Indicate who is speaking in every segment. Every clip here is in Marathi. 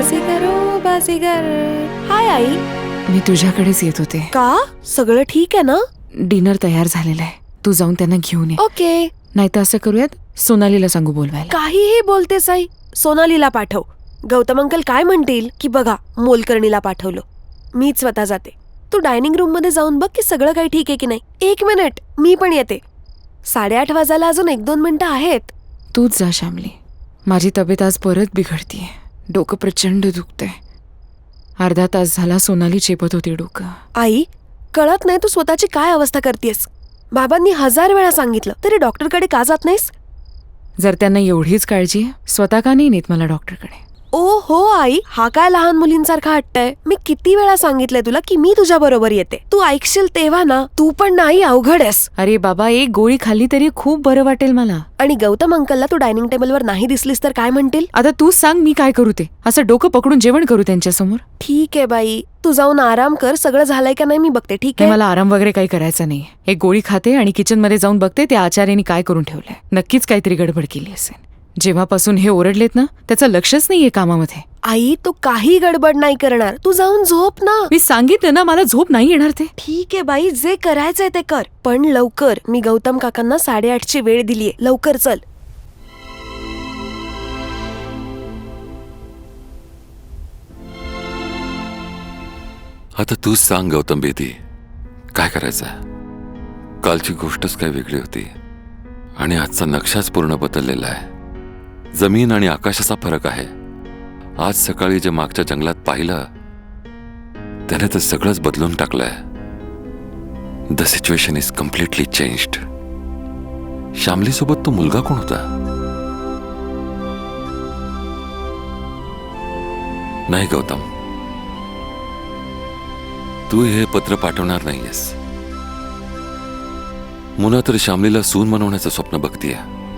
Speaker 1: बाजीगर. हाय आई.
Speaker 2: मी तुझ्याकडेच येत होते.
Speaker 1: का? सगळं ठीक आहे ना?
Speaker 2: डिनर तयार झालेलं आहे, तू जाऊन त्यांना घेऊन ये.
Speaker 1: ओके.
Speaker 2: नाही तर असं करूयात, सोनालीला सांगू बोलवायला.
Speaker 1: काहीही बोलतेस आई. सोनालीला पाठव. गौतम अंकल काय म्हणतील की बघा मोलकर्णीला पाठवलं. मीच स्वतः जाते. तू डायनिंग रूम मध्ये जाऊन बघ की सगळं काही ठीक आहे की नाही. 1 मिनिट, मी पण येते. 8:30 वाजायला अजून 1-2 मिनिटं आहेत.
Speaker 2: तूच जा श्यामली. माझी तब्येत आज परत बिघडतीये. डोकं प्रचंड दुखतंय. अर्धा तास झाला सोनाली चेपत होती डोकं.
Speaker 1: आई, कळत नाही तू स्वतःची काय अवस्था करतेस. बाबांनी 1000 वेळा सांगितलं तरी डॉक्टरकडे का जात नाहीस?
Speaker 2: जर त्यांना एवढीच काळजी आहे, स्वतः का नाही नेत मला डॉक्टरकडे?
Speaker 1: ओ हो आई, हा काय लहान मुलींसारखा हट्टय. मी किती वेळा सांगितलंय तुला की मी तुझ्या बरोबर येते. तू ऐकशील तेव्हा ना. तू पण नाही, अवघड आहेस.
Speaker 2: अरे बाबा, एक गोळी खाल्ली तरी खूप बरं वाटेल मला.
Speaker 1: आणि गौतम अंकलला तू डायनिंग टेबलवर नाही दिसलीस तर काय म्हणतील?
Speaker 2: आता तूच सांग मी काय करू ते. असं डोकं पकडून जेवण करू त्यांच्यासमोर?
Speaker 1: ठीक आहे बाई, तू जाऊन आराम कर. सगळं झालंय का नाही मी बघते. ठीक आहे?
Speaker 2: मला आराम वगैरे काही करायचा नाही. एक गोळी खाते आणि किचन मध्ये जाऊन बघते त्या आचार्याने काय करून ठेवलंय. नक्कीच काहीतरी गडबड केली असेल. जेव्हापासून हे ओरडलेत ना, त्याचं लक्षच नाहीये कामामध्ये.
Speaker 1: आई, तू काही गडबड नाही करणार. तू जाऊन झोप ना.
Speaker 2: मी सांगितलं ना, मला झोप नाही येणार ते.
Speaker 1: ठीक आहे बाई, जे करायचंय ते कर, पण लवकर. मी गौतम काकांना 8:30ची वेळ दिलीये. लवकर चल.
Speaker 3: आता तूच सांग गौतम बेदी, काय करायचंय? कालची गोष्टच काय वेगळी होती आणि आजचा नक्षाच पूर्ण बदललेला आहे. जमीन आणि आकाशाचा फरक आहे. आज सकाळी जे मागच्या जंगलात पाहिलं त्याने तर सगळंच बदलून टाकलंय. The situation is completely changed. Shyamali सोबत तो मुलगा कोण होता? नाही गौतम, तू हे पत्र पाठवणार नाहीयेस. मुना तर श्यामलीला सून बनवण्याचं स्वप्न बघतीये.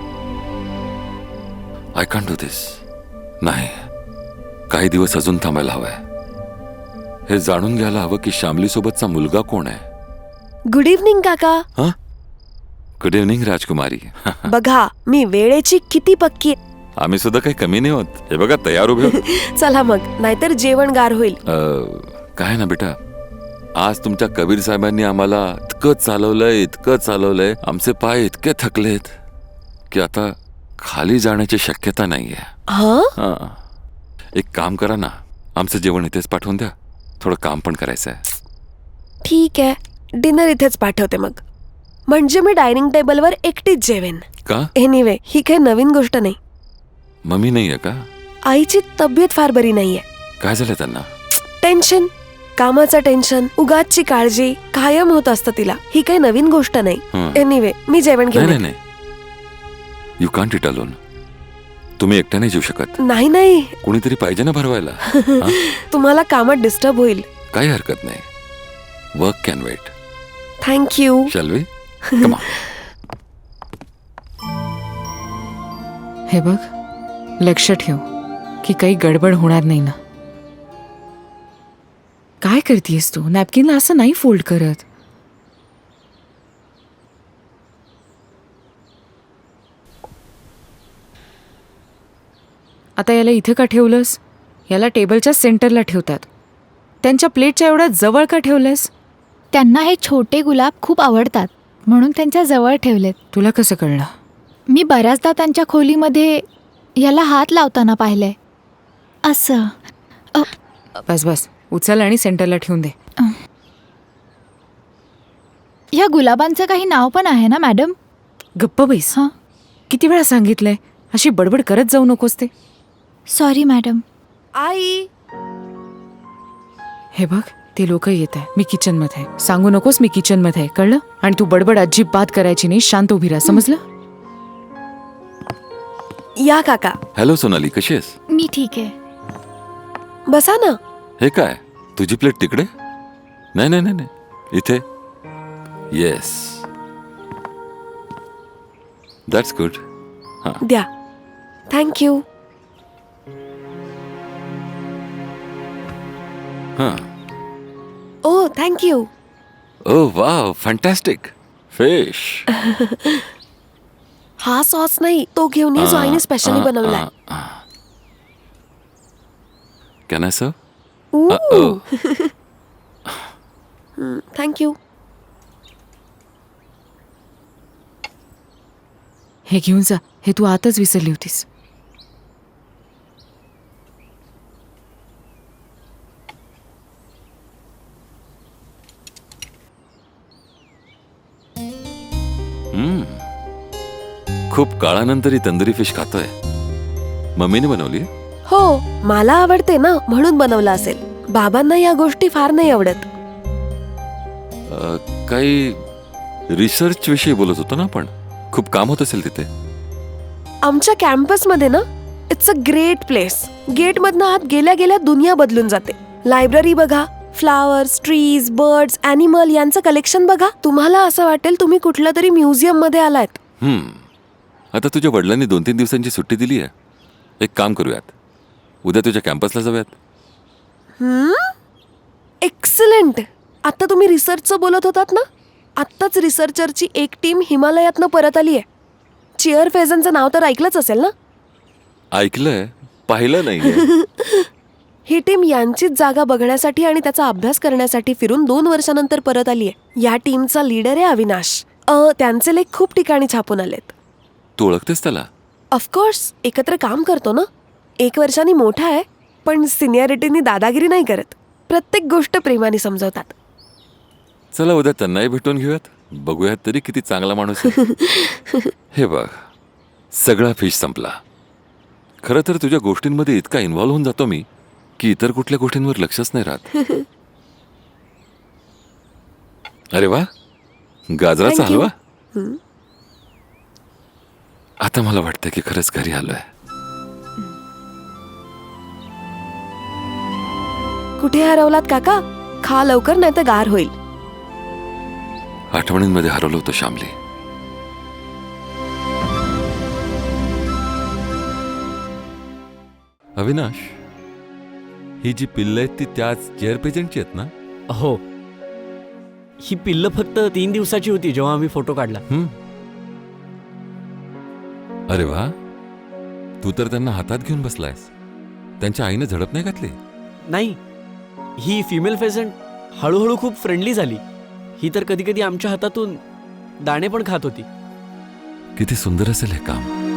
Speaker 3: I can't do this. नाही, काही दिवस अजून थांबायला हवंय. हे जाणून घ्यायला हवं की श्यामली सोबतचा मुलगा कोण आहे.
Speaker 1: गुड इव्हनिंग काका.
Speaker 3: हा, गुड इव्हनिंग राजकुमारी.
Speaker 1: बघा मी वेळेची किती पक्की.
Speaker 3: आम्ही सुद्धा काही कमी नाही होत. हे बघा तयार उभे होतो.
Speaker 1: चला मग, नाहीतर जेवण गार होईल.
Speaker 3: काय ना बेटा, आज तुमच्या कबीर साहेबांनी आम्हाला इतकं चालवलंय, आमचे पाय इतके थकलेत की आता खाली जाण्याची शक्यता नाहीये.
Speaker 1: हा,
Speaker 3: एक काम करा ना, आमचं जेवण इथेच पाठवून द्या. थोडं काम पण करायचंय.
Speaker 1: ठीक आहे, डिनर इथेच पाठवते मग. म्हणजे मी डायनिंग टेबलवर एकटीच जेवेन.
Speaker 3: का?
Speaker 1: एनिवे, ही काही नवीन गोष्ट नाही.
Speaker 3: मम्मी नाहीये का?
Speaker 1: आईची तब्येत फार बरी नाहीये.
Speaker 3: काय झालं त्यांना?
Speaker 1: टेन्शन, कामाचं टेन्शन, उगाचची काळजी कायम होत असतं तिला. ही काही नवीन गोष्ट नाही. एनिवे, मी जेवण घेऊन.
Speaker 3: नाही, यू कांट इट अलोन. तुम्ही एकट्याने जेवू शकत
Speaker 1: नाही.
Speaker 3: कोणीतरी पाहिजे ना भरवायला.
Speaker 1: तुम्हाला कामात डिस्टर्ब होईल.
Speaker 3: काही हरकत नाही. Work can wait.
Speaker 1: Thank you.
Speaker 3: Shall we? Come on.
Speaker 2: हे बघ, लक्ष ठेव की काही गडबड होणार नाही ना. काय करतेस तू? नॅपकिनला असं नाही फोल्ड करत. आता याला इथे का ठेवलंस? याला टेबलच्या सेंटरला ठेवतात. त्यांच्या प्लेटच्या एवढ्या जवळ का ठेवलंस?
Speaker 4: त्यांना हे छोटे गुलाब खूप आवडतात म्हणून त्यांच्या जवळ ठेवलेत.
Speaker 2: तुला कसं कळलं?
Speaker 4: मी बऱ्याचदा त्यांच्या खोलीमध्ये याला हात लावताना पाहिलंय. असं.
Speaker 2: बस उचल आणि सेंटरला ठेवून दे.
Speaker 4: या गुलाबांचं काही नाव पण आहे ना मॅडम?
Speaker 2: गप्प बैस.
Speaker 4: हां,
Speaker 2: किती वेळा सांगितलंय, अशी बडबड करत जाऊ नकोस ते.
Speaker 4: Sorry madam.
Speaker 1: आई,
Speaker 2: हे बघ, ते लोक येत आहे. मी किचन मध्ये. सांगू नकोस मी किचन मध्ये, कळलं? आणि तू बडबड अजिबात करायची नाही. शांत उभी राहा, समजलं?
Speaker 1: या काका.
Speaker 3: हॅलो सोनाली, कशी आहेस?
Speaker 4: मी ठीक आहे.
Speaker 1: बसा ना.
Speaker 3: हे काय, तुझी प्लेट तिकडे? नाही, इथे. Yes, that's good.
Speaker 1: द्या. Thank you. Oh thank you.
Speaker 3: Oh wow, fantastic fish.
Speaker 1: हा सॉस नाही, तो घेऊन ये जो आईने स्पेशली बनवलाय.
Speaker 3: Can I serve?
Speaker 1: थँक्यू.
Speaker 2: हे घेऊन जा, हे तू आतच विसरली होतीस.
Speaker 3: खूप काळानंतर ही तंदुरी फिश खातोय. मम्मीने बनवली?
Speaker 1: हो, मला आवडते ना म्हणून बनवलं असेल. बाबांना या गोष्टी फार नाही आवडत.
Speaker 3: काही रिसर्च विषयी बोलत होतो ना आपण. खूप काम होत असेल तिथे.
Speaker 1: आमच्या कॅम्पसमध्ये ना इट्स अ ग्रेट प्लेस. गेटमधनं आत गेल्या गेल्या दुनिया बदलून जाते. लायब्ररी बघा, फ्लावर्स, ट्रीज, बर्ड्स, ॲनिमल यांचं कलेक्शन बघा. तुम्हाला असं वाटेल तुम्ही कुठल्या तरी म्युझियम मध्ये आलात.
Speaker 3: आता तुझ्या वडिलांनी 2-3 दिवसांची सुट्टी दिली आहे. एक काम करूयात, उद्या तुझ्या कॅम्पसला जाऊयात.
Speaker 1: एक्सलंट. आता तुम्ही रिसर्चचं बोलत होतात ना, आत्ताच रिसर्चरची एक टीम हिमालयातनं परत आली आहे. चिअर फेझनचं नाव तर ऐकलंच असेल ना?
Speaker 3: ऐकलंय, पाहिलं नाहीये.
Speaker 1: ही टीम यांचीच जागा बघण्यासाठी आणि त्याचा अभ्यास करण्यासाठी फिरून 2 वर्षानंतर परत आली आहे. या टीमचा लीडर आहे अविनाश. त्यांचे लेख खूप ठिकाणी छापून आलेत.
Speaker 3: तू ओळखतेस त्याला?
Speaker 1: ऑफकोर्स, एकत्र काम करतो ना. 1 वर्षांनी मोठा आहे, पण सिनियरिटीनी दादागिरी नाही करत. प्रत्येक गोष्ट प्रेमाने समजवतात.
Speaker 3: चला उद्या त्यांनाही भेटून घेऊयात. बघूयात तरी किती चांगला माणूस आहे. हे बघ, सगळा फिश संपला. खरं तर तुझ्या गोष्टींमध्ये इतका इन्व्हॉल्व्ह होऊन जातो मी की इतर कुठल्या गोष्टींवर लक्षच नाही राहत. अरे वा, गाजराचा
Speaker 1: Thank you.
Speaker 3: हलवा. आता मला वाटतं की खरंच घरी आलोय.
Speaker 1: कुठे हरवलात काका? खा लवकर, नाही तर गार होईल.
Speaker 3: आठवणींमध्ये हरवलं होतं श्यामली. अविनाश, ही जी पिल्ल आहेत ती त्याच चेअर पेजंटची आहेत ना?
Speaker 5: हो, ही पिल्ल फक्त 3 दिवसाची होती जेव्हा आम्ही फोटो काढला.
Speaker 3: अरे वा, तू तर त्यांना हातात घेऊन बसलायस. त्यांच्या आईने झडप नाही घातली?
Speaker 5: नाही, ही फिमेल फेझंट हळूहळू खूप फ्रेंडली झाली. ही तर कधी कधी आमच्या हातातून दाणे पण खात होती.
Speaker 3: किती सुंदर असेल हे काम.